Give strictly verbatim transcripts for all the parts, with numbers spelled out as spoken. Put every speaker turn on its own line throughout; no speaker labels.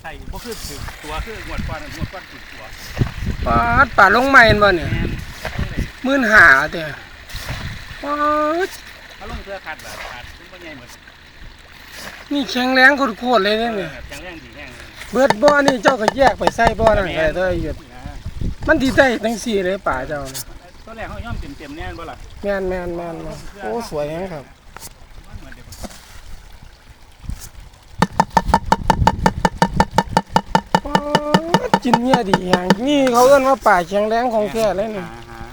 ใส่บ่คือถือตัวคืองวดก้อนงวดก้อนถือตัว
ปาดป่าลงใหม่บ่เนี่ยหมื่นห้าเด้อปาด
เขาลงเสื้อขัดแบบขัดซึ่งบ่ใหญ่หมด
นี่แข็งแรงโคตรๆเลยเนี่ย
แข็งแรงดีแรง
เบิดบ่อนี่เจ้าก็แยกไปใส่บ่อนั่นก็ได้เด้อหยุดมันสิได้จังซี่เลยป่าเจ้าน่ะ
ตอนแรกเฮาย่อมเต็มๆแน่นบ่ล่ะ
แม่นๆๆโอ้สวยแฮงครับกินเนี่ยดีอย่างนี่เขาเอิ้นว่าป่าแข็งแรงของแท้เลยนี่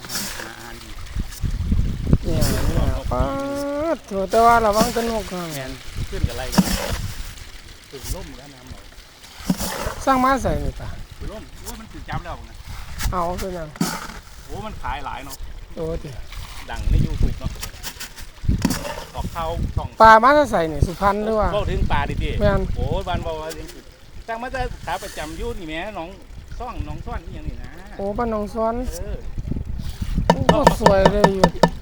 เนี่ยเนี่ยป้าดแต่ว่าระวังตะนกครับ
แม่นขึ้นกับไรกันถึงล่มแล้วน้ำเอา
สร้างมาใส่นี่ป่ะ
ถึงล่มโอ้มันถึงจับแล้วนะ
เอาเป็นยัง
โอ้มันขายหลายเนาะ
โอ้ดิ
ดังใน YouTube เนาะออกเข้าช่อง
ปลามาใส่นี่สุพรรณหรือว่า
เว้าถึงปลาดิๆ
แม่น
โอ้บ้านเว้าว่าจังมาจะขาประจำอยู่นี่แหมน้องซ่องน้องซ่อนอีหยังนี่นะ
โอ้บ้านหนองสวน
เออ
โอ้สวยเลยอยู่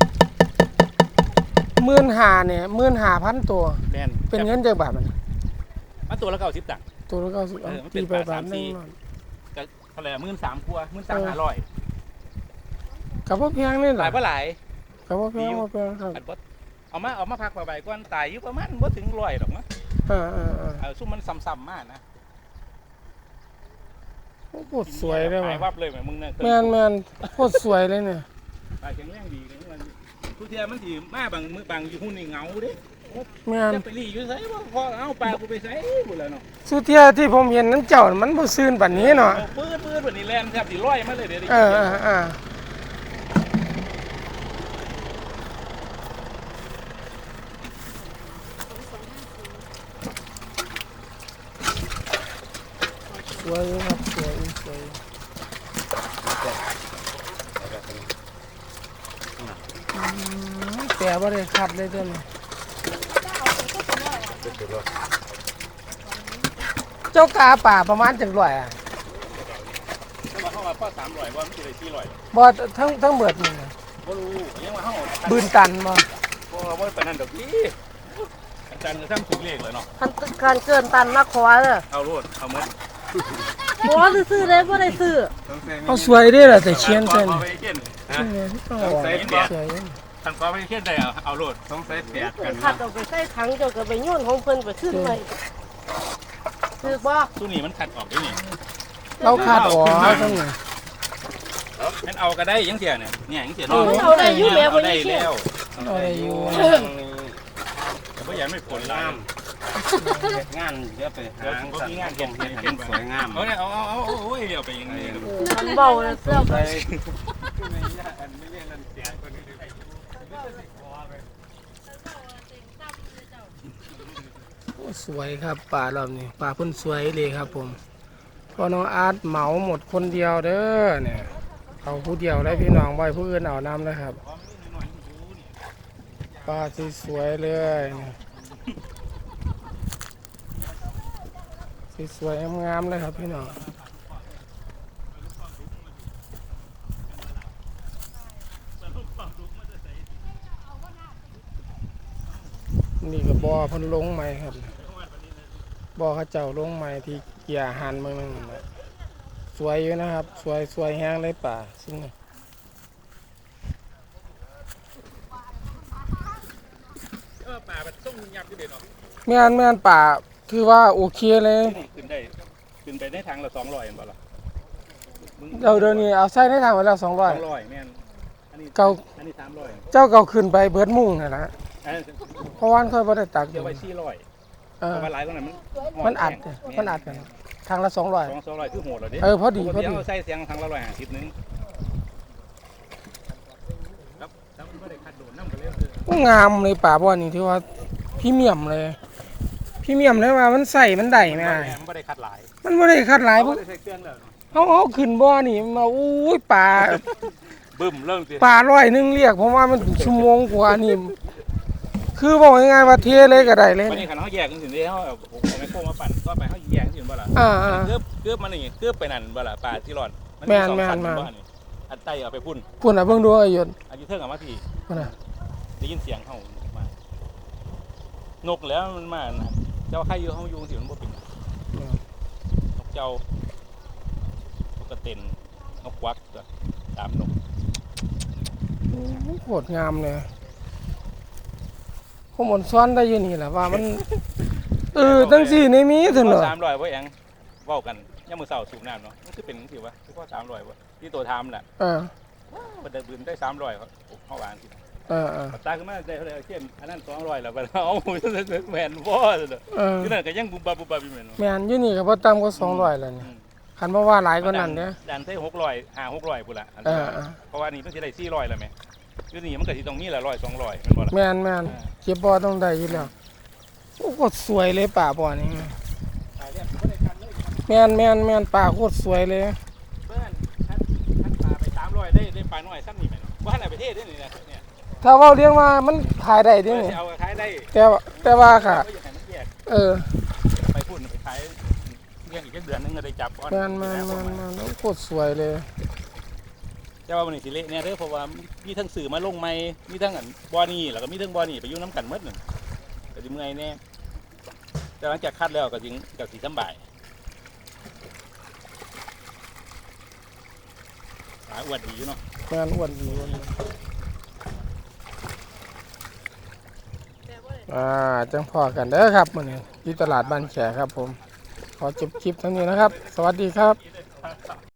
หมื่นห้าเนี่ยหมื่นห้าพันตัวเป็นเงินจักบาทมัน
มาตัวละเก้าสิบตังค์
ตัวละเก้าสิบตีไปบาทนึง
ก็เท่าไหร่หมื่นสามครัวหมื่นสามห้าร้อย
กับพ่อเพียงนี่ห
ลายเท่าไหร่
กับพ่อเพียงพ่อเพียงครับ
เอามาเอามาพักใบก้อนตายอยู่ประมาณบ่ถึงร้อยหรอกมั้ง
เออเออเออ
ซุ่มมันซ้ำๆมากนะ
โอ้โหสวยเลยว่ะ
วับเลยเหมือนมึงเนี่ย
แมนแมนโคตรสวยเลยเนี่ย
ปลาแข็งแรงดีเลยมันทุกเทียมันสีมาบางมือบางอยู่หุ่นในเงาดิ
แมน
จะไปรีอยู่ไสบ่พอเอาปลากูไปไสหมดแล้วเนาะ
สุเทียที่ผมเห็นนั้นเจ้ามันบ่ซื่นแบบนี้เนาะ
ปื้ดปื้ดแบบนี้แลนแทบสิร้อยมาเลยเดี๋ยว
เออเออเออสวยครับสวยสวยแต่ว่าได้ขัดเลยเจ้านี่เจ้ากาป่าประมาณจังร้อยอ่ะ
ถ้ามาเข้ามาพ่อสามร้อยว่ามันจะได้สี่ร้อย
บ่ทั้งทั้งเบิดนี่นะ
บ่รู้ยังว่าเฮา
บืนตันบ่
บ่บ่ปานนั้นดอกพี่อาจารย์ก็ทำถูกเลขเลยเนาะ
คันการเกินตันมาขอเด้อ
เอาโลดเอาหมด
บ่ซื้อได้บ่ได้ซื้อ
เอาสวยเด้ล่ะแต่เชียนเส้น
เอาไปเขียนฮะ
ต้องใส่สวย
ท่านก็ไปเขียนได้เอาโลดต้องใส่แปดกัน
คัดเอาไปใส่ถังเจ้าก็ไปโยนของเพิ่นไปขึ้นไว้ซื้อบ่
ตู้นี้มันขัดออกได้นี่
เราขัดออกจังไง
งั้นเอาก็ได้ยังเสียเนี่ยเนี่ยยังเสียน้อง
เอาได้อยู่แล้วบ่
ได้แล้ว
เอาได้อยู่
แต่บ่อยากไม่ผลล่าม
งานเดี๋ยวไปหาง
ก็มีงานเก็บเก็บเก็บ
สวยงาม
เอาเนี่ยเอาเอาเอาโอ้ยเดี๋ยวไปยังไง
มันเบาแล้วเสื้อไป
สวยครับป่ารอบนี้ป่าเพิ่นสวยเลยครับผมพอน้องอาร์ตเหมาหมดคนเดียวเด้อเนี่ยเอาผู้เดียวได้พี่น้องไว้ผู้อื่นเอาน้ำนะครับป่าสวยเลยสวยงามๆเลยครับพี่น้องนี่ก็บ่อพันลงใหม่ครับบ่อข้าเจ้าลงใหม่ที่เกี่ยหันเมืองนึงสวยอยู่นะครับสวยสวยแห้งเลยป่าซึ่ง
เออป่าแบบส่งยับอยู่เด็ดเนาะ
แม่นแม่นป่าคือว่าโอเคเลย
ขึ้นได้ขึ้นไปในทางละสองร้อยเห็นป่ะล่ะ
เดี๋ยวเดี๋ยวนี้เอาใส่ในทางไว้แล้วสองร้อย
สองร้อยแม่นอันนี้
เก่า
อันนี้สามร้อย
เจ้าเก่าขึ้นไปเบิดมุ่งนี่แหละเพราะว่าค่อยบ่ได้ตัก
เดี๋ยวไว้สี่ร้อยเออมาหลายตรงนั้นมัน
มันอัดมันอัดกันทางละสองร้อย
สองร้อยคือโหดเลยดิ
เออพอดีพอดี
ใส่เสียงทางละร้อยห้าสิบนึงครับแล้วมันไม่ได้ขัดโดนน้ำกันเลย
งามเลยป่าบ่อนี่ที่ว่าพรีเมียมเลยพรีเมียมเลยว่ามันใส่มันได้ไหม
มันไม่ได้ขัดหลาย
มันไม่ได้ขัดหลายพวกเขาเอาขึ้นบ่อนี่มาอุ้ยป่า
บึ้มเริ่มสิ
ป่าร้อยนึงเรียกเพราะว่ามันชั่วโมงกว่านี่คือบอกง่ายๆว่าเทเลยก็ได้เลย
วันนี้ขันเขาแยกกันสิเดียวผมไม่โค้งมาปั่นก็ไปเขาแยกสิบ่ล่ะเกือบเกือบมันนี่เกือบไปนั่นบ่ล่ะป่าที่รอด
แม่นแม่นมา
อันไตเอาไปพุ่น
พุ่นอ่ะเบิ่งดูไอ้ยน
อันนี้เทิงกับมาพี่
พุ่นอ่ะ
ได้ยินเสียงเขามานกแล้วมันมาเจ้าใครอยู่เขาอยู่สิมันบ่เป็นเจ้าปกตินนกควักก็สามนก
โคตรงามเลยข้อมูลซ้อนได้อยู่นี่แหละว่ามันเออตั้งสี่ในมีถึงเหรอ
สามร้อยว่าเองเว้ากันย่ามมือเสาสูบน้ำเนาะมันคือเป็นสิวะคือว่าสามร้อยวะที่ตัวทำน่ะ
เออ
มันได้บืนได้สามร้อยเขาเขาวางสิ
เออเออ
ตาขึ้นมาได้เท่าไหร่เช่นอันนั้นสองร้อยแล้วไปเอาแมนบ่เลย
เออ
ที่นั่นก็ยังบุบบับบุบบับอยู่เหมือน
แม่นอยู่นี่ก็บ่ต่ำกว่าสองร้อยแล้วนี่คันบ่ว่าหลายกว่านั้นเด้อ
ดันได้หกร้อยห้าหกร้อยพุ่นละเพราะว่านี่ต้องสิได้สี่ร้อยแล้วไหมอยู่นี่มันก็สิต้องมีละร้อยสองร้อยมันบ่ล่ะ
แม่นแม่นเก็บบ่ต้องได้อยู่แล้วโอ้โคตรสวยเลยป่าบ่อนี่แม่นแม่นแม่นป่าโคตรสวยเลย
เบิ้นท่านท่านปลาไปสามร้อยได้ได้ปลาน้อยซ้ำนี่แม่นว่าให้ประเทศได้นี่นะเนี่ย
ถ้าเว้าเรียงว่ามันขายได้เดินี่
เอาขายได้
แต่ว่าแต่ว่าค่ะ เออ
ไปพูดไปขายเลี้ยงอีกเดือนนึงก็ได้จับก้อน
แม่นแม่นแม่นแม่นโอ้โคตรสวยเลย
แต่ว่าวันนี้สิเละเนี่ยเด้อเพราะว่ามีทั้งสื่อมาลงใหม่มีทั้งอันบ่อนี่แล้วก็มีทั้งบ่อนี่ไปอยู่น้ำกันหมดนึงก็สิเมื่อยแน่แต่หลังจากคัดแล้วก็สิก็สิสบายหาอวดดีอยู่เนาะ
แม่นอ้วนดีอ้วนดีอ่าจังพอกันเด้อครับมื้อนี้ที่ตลาดบ้านแขครับผมขอจบคลิปเท่านี้นะครับ สวัสดีครับ